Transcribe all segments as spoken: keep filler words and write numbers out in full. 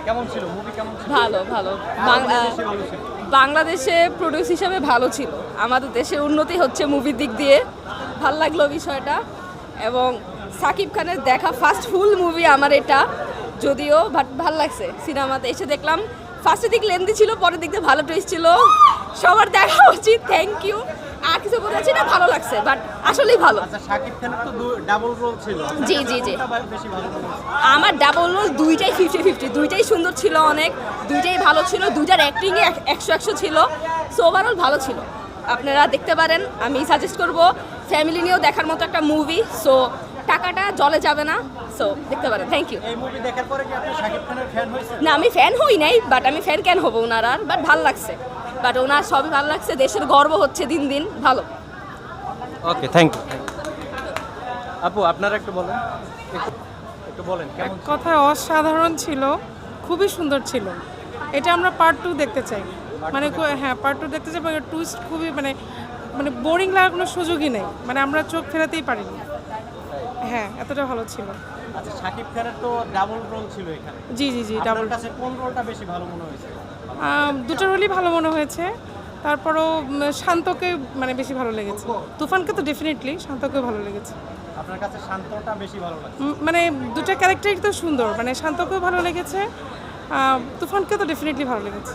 কেমন ছিল মুভি কেমন ছিল? ভালো ভালো বাংলা বাংলাদেশে প্রোডিউস হিসাবে ভালো ছিল। আমাদের দেশের উন্নতি হচ্ছে মুভির দিক দিয়ে, ভাল লাগলো বিষয়টা। এবং সাকিব খানের দেখা ফার্স্ট ফুল মুভি আমার এটা, যদিও বাট ভাল লাগছে। সিনেমাতে এসে দেখলাম ফার্স্টের দিক লেন্দি ছিল, পরের দিক দিয়ে ভালো টুইস্ট ছিল। সবার দেখা উচিত। Thank you. আর কিছু বলেছি না, ভালো লাগছে বাট আসলেই ভালো। আচ্ছা শাকিব খানের তো ডাবল রোল ছিল। জি জি জি কোনটা বেশি ভালো মনে হয়েছে? আমার ডাবল রোল দুইটাই ফিফটি ফিফটি, দুইটাই সুন্দর ছিল অনেক, দুইটাই ভালো ছিল, দুইটার অ্যাক্টিংয়ে একশো একশো ছিল। সো ওভারঅল ভালো ছিল, আপনারা দেখতে পারেন। আমি সাজেস্ট করব ফ্যামিলি নিয়েও দেখার মতো একটা মুভি। সো টাকাটা জলে যাবে না, সো দেখতে পারেন। Thank you. এই মুভি দেখার পরে কি আপনি শাকিব খানের ফ্যান হয়েছেন? না আমি ফ্যান হই নাই, বাট আমি ফ্যান কেন হবো ওনার আর, বাট ভালো লাগছে। বাট ওনার সবই ভালো লাগছে, দেশের গর্ব হচ্ছে দিন দিন। ভালো। Okay thank you. আপু আপনারা একটু বলেন, একটু একটু বলেন কেমন ছিল? কথায় অসাধারণ ছিল, খুবই সুন্দর ছিল। এটা আমরা পার্ট টু দেখতে চাই, মানে কো- হ্যাঁ পার্ট টু দেখতে চাই। টুইস্ট খুবই মানে মানে বোরিং লাগার কোনো সুযোগই নেই, মানে আমরা চোখ ফেরাতেই পারিনি। হ্যাঁ এতটা ভালো ছিল। আচ্ছা শাকিব খানের তো ডাবল রোল ছিল এখানে। জি জি জি আপনার ডাবল। কাছে কোন রোলটা বেশি ভালো মনে হয়েছে? দুটো রোলই ভালো মনে হয়েছে। তারপরও উম, শান্তকে মানে বেশি ভালো লেগেছে। তুফানকে তো ডেফিনেটলি, শান্তকে ভালো লেগেছে। আপনার কাছে শান্তটা বেশি ভালো লাগছে? উম, মানে দুটো ক্যারেক্টারই তো সুন্দর, মানে শান্তকেও ভালো লেগেছে, আহ, তুফানকে তো ডেফিনেটলি ভালো লেগেছে।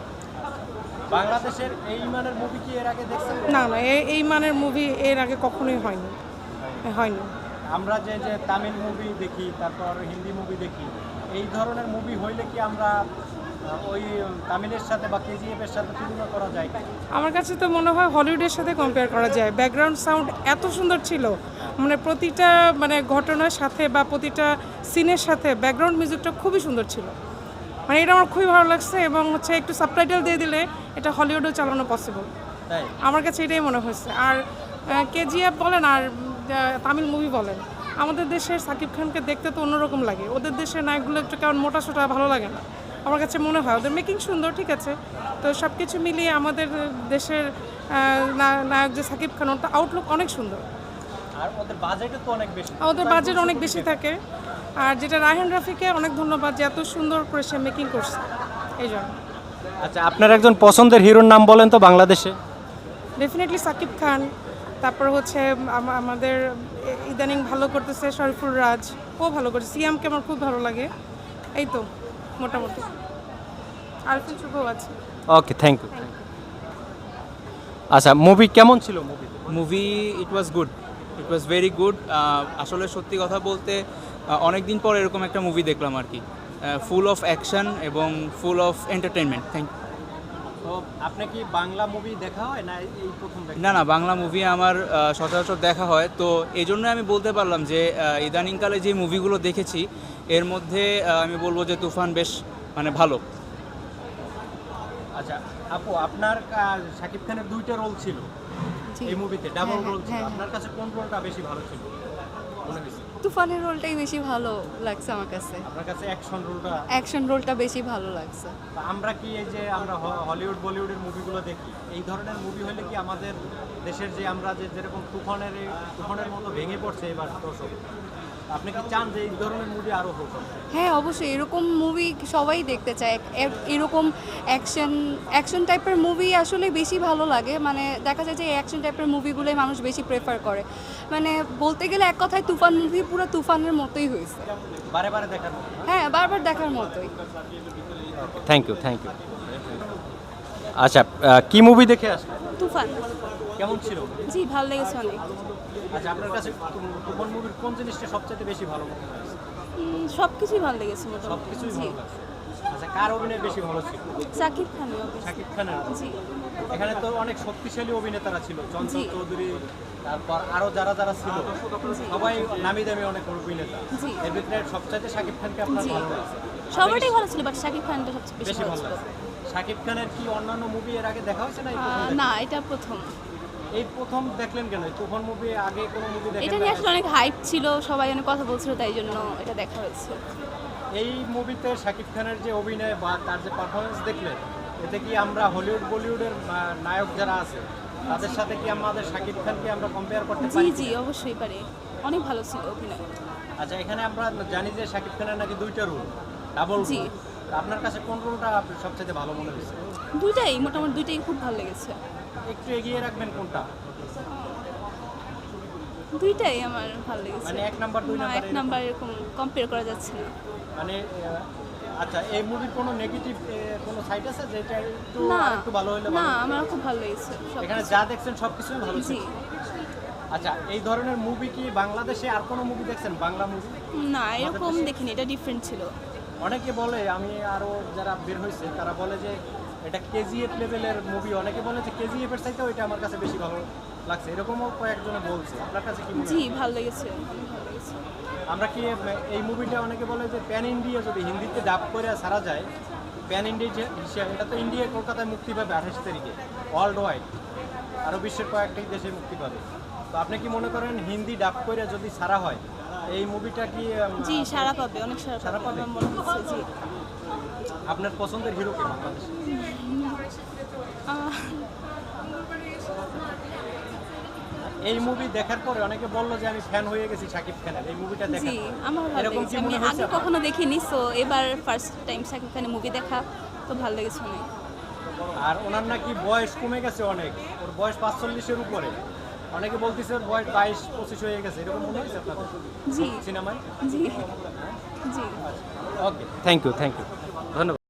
বাংলাদেশের এই মানের মুভি কি এর আগে দেখছেন? না না এই এই মানের মুভি এর আগে কখনোই হয়নি হয়নি আমরা যে যে তামিল মুভি দেখি, তারপর হিন্দি মুভি দেখি, এই ধরনের মুভি হইলে কি আমরা আহ, ওই তামিলের সাথে বা কেজিএফ এর সাথে তুলনা করা যায় কি? আমার কাছে তো মনে হয় হলিউডের সাথে কম্পেয়ার করা যায়। ব্যাকগ্রাউন্ড সাউন্ড এত সুন্দর ছিল, মানে প্রতিটা মানে ঘটনার সাথে বা প্রতিটা সিনের সাথে ব্যাকগ্রাউন্ড মিউজিকটা খুবই সুন্দর ছিল। মানে এটা আমার খুবই ভালো লাগছে। এবং হচ্ছে একটু সাবটাইটেল দিয়ে দিলে এটা হলিউডেও চালানো পসিবল, তাই আমার কাছে এটাই মনে হয়েছে। আর কেজিএফ বলেন আর আহ, তামিল মুভি বলেন, আমাদের দেশের সাকিব খানকে দেখতে তো অন্যরকম লাগে। ওদের দেশের নায়কগুলো একটু কেমন মোটা সোটা ভালো লাগে না, আমার কাছে মনে হয়। ওদের মেকিং সুন্দর, ঠিক আছে, তো সব কিছু মিলিয়ে আমাদের দেশের আহ, না- নায়ক যে সাকিব খান, ওর আউটলুক অনেক সুন্দর। আর ওদের বাজেটও তো অনেক বেশি। ওদের বাজেট অনেক বেশি থাকে। আর যেটা রায়হান রাফিকে অনেক ধন্যবাদ যে এত সুন্দর করে সে মেকিং করছে, এই জন্য। আচ্ছা আপনার একজন পছন্দের হিরোর নাম বলেন তো বাংলাদেশে। ডেফিনেটলি সাকিব খান। তারপর হচ্ছে আম- আমাদের এ- ইদানিং ভালো করতেছে শরীফুল রাজ, ও ভালো করছে। সিয়ামকে আমার খুব ভালো লাগে। এই তো মোটামুটি। আরফিন শুভও আছে। Okay thank you. আচ্ছা মুভি কেমন ছিল? Movie movie it was good, it was very good. আসলে সত্যি কথা বলতে অনেক দিন পর এরকম একটা মুভি দেখলাম আর কি, ফুল অফ অ্যাকশন এবং ফুল অফ এন্টারটেনমেন্ট। থ্যাংক তো আপনি কি বাংলা মুভি দেখা হয় না এই প্রথম দেখা? না না বাংলা মুভি আমার আহ, সচরাচর দেখা হয়, তো এই জন্য আমি বলতে পারলাম যে আহ, ইদানিংকালে যে মুভিগুলো দেখেছি এর মধ্যে আহ, আমি বলবো যে তুফান বেশ মানে ভালো। আচ্ছা আপু আপনার কা- শাকিব খানের দুইটা রোল ছিল এই মুভিতে, ডাবল রোল ছিল। আপনার কাছে কোন রোলটা বেশি ভালো ছিল মনে হয়েছে? তুফানের রোলটাই বেশি ভালো লাগছে আমার কাছে। আপনার কাছে অ্যাকশন রোলটা? অ্যাকশন রোলটা বেশি ভালো লাগছে। আমরা কি এই যে আমরা হ- হলিউড বলিউডের মুভিগুলো দেখি, এই ধরনের মুভি হলে কি আমাদের দেশের যে আমরা যে যেরকম তুফানের এই- তুফানের মতো ভেঙে পড়ছে এবার দর্শক, আপনি কি চান যে এই ধরনের মুভি আরও হোক? হ্যাঁ অবশ্যই, এরকম মুভি সবাই দেখতে চায়। এ- এরকম অ্যাকশন অ্যাকশন টাইপের মুভি আসলে বেশি ভালো লাগে। মানে দেখা যায় যে অ্যাকশন টাইপের মুভিগুলোই মানুষ বেশি প্রেফার করে। মানে বলতে গেলে এক কথায় তুফান মুভি পুরো তুফানের মতোই হয়েছে। বারে বারে দেখার মতো। হ্যাঁ বারবার দেখার মতোই। Thank you thank you. আচ্ছা আহ, কি মুভি দেখে আসলেন? তুফান। কেমন ছিল? জি ভালো লেগেছে অনেক। আচ্ছা আপনার কাছে তু- তুফান মুভির কোন জিনিসটা সবচেয়ে বেশি ভালো মনে হয়েছে? সব কিছুই ভালো লেগেছে মোটামুটি। সবকিছুই জি ভালো লাগছে। আচ্ছা কার অভিনয় বেশি ভালো ছিল? সাকিব খানের। শাকিব খানের। জি এখানে তো অনেক শক্তিশালী অভিনেতারা ছিল, চঞ্চল জি। চৌধুরী, তারপর আরো যারা যারা ছিল সবাই নামি দামি অনেক অভিনেতা। জি। এর ভিতরে সবচাইতে শাকিব খানকে আপনার জি। ভালো লাগছে? সবারটাই ভালো ছিল, বাট শাকিব খানটা সবচেয়ে বেশি বেশি ভালো ভালো ছিল। লাগছে। শাকিব খানের কি অন্যান্য মুভি এর আগে দেখা হয়েছে না এই প্রথম আহ, দেখলেন? না এটা প্রথম। এই প্রথম দেখলেন কেন? এই তুফান মুভি আগে কোনো মুভি এটা দেখেন নিয়ে না? আসলে অনেক হাইপ ছিল, সবাই অনেক কথা বলছিল, তাই জন্য এটা দেখা হয়েছে। এই মুভিতে শাকিব খানের যে অভিনয় বা তার যে পারফরমেন্স দেখলেন, এতে কি আমরা হলিউড বলিউডের আহ, নায়ক যারা আছে তাদের সাথে কি আমাদের শাকিব খানকে আমরা কম্পেয়ার করতে জি পারি? জি অবশ্যই পারে, অনেক ভালো ছিল অভিনয়। আচ্ছা এখানে আমরা জানি যে শাকিব খানের নাকি দুইটা রোল, ডাবল জি। রোল। আপনার কাছে কোন রোলটা আপনার সবচেয়ে ভালো মনে হয়েছে? দুইটাই মোটামুটি দুইটাই খুব ভালো লেগেছে। একটু এগিয়ে রাখবেন কোনটা? দুইটাই আমার ভালো লেগেছে। মানে এক নাম্বার দুই না, নাম্বার এক নাম্বার এরকম কম্পেয়ার করা যাচ্ছে না। মানে আহ, আচ্ছা, এই মুভির কোনো নেগেটিভ কোনো সাইড আছে যেটা একটু না একটু ভালো হলে না ভালো? আমার খুব ভালো লেগেছে সব এখানে কিছু। যা দেখছেন সবকিছুই ভালো জি ছিল। আচ্ছা, এই ধরনের মুভি কি বাংলাদেশে আর কোনো মুভি দেখছেন, বাংলা মুভি? না এরকম দেখিনি, এটা ডিফারেন্ট ছিল। অনেকে বলে, আমি আরও যারা বের হয়েছে তারা বলে যে এটা কেজিএফ লেভেলের মুভি, অনেকে বলে যে কেজিএফ এর চাইতেও এটা আমার কাছে বেশি ভালো লাগছে, এরকমও কয়েকজনে বলছে। আপনার কাছে কি মনে জি হয়? ভালো লেগেছে, অনেক ভালো লেগেছে। আমরা কি এই মুভিটা, অনেকে বলে যে প্যান ইন্ডিয়া যদি হিন্দিতে ডাব করে ছাড়া যায়, প্যান ইন্ডিয়া যে হিসেবে, এটা তো ইন্ডিয়া কলকাতায় মুক্তি পাবে আঠাশ তারিখে ওয়ার্ল্ড ওয়াইড, আরও বিশ্বের কয়েকটি দেশে মুক্তি পাবে। তো আপনি কি মনে করেন হিন্দি ডাব করে যদি ছাড়া হয় এই মুভিটা কি উম, জি সারা পাবে, অনেক সারা সারা পাবে পাবে? আমার মনে হচ্ছে। জি আপনার পছন্দের হিরো কে বাংলাদেশে? আহ, এই মুভি দেখার পরে অনেকে বললো যে আমি ফ্যান হয়ে গেছি শাকিব খানের, এই মুভিটা জি দেখার আমার ভালো এরকম লেগেছে। কি আমি মনে হয়েছে আগে আপনার? কখনো দেখিনি, সো এবার ফার্স্ট টাইম শাকিব খানের মুভি দেখা, তো ভালো লেগেছে অনেক। আর ওনার নাকি বয়স কমে গেছে অনেক, ওর বয়স পাঁচচল্লিশের উপরে, অনেকে বলতেছে ওর বয়স বাইশ পঁচিশ হয়ে গেছে, এরকম মনে হয়েছে আপনাদের জি সিনেমায়? জি জি okay, thank you thank you ধন্যবাদ।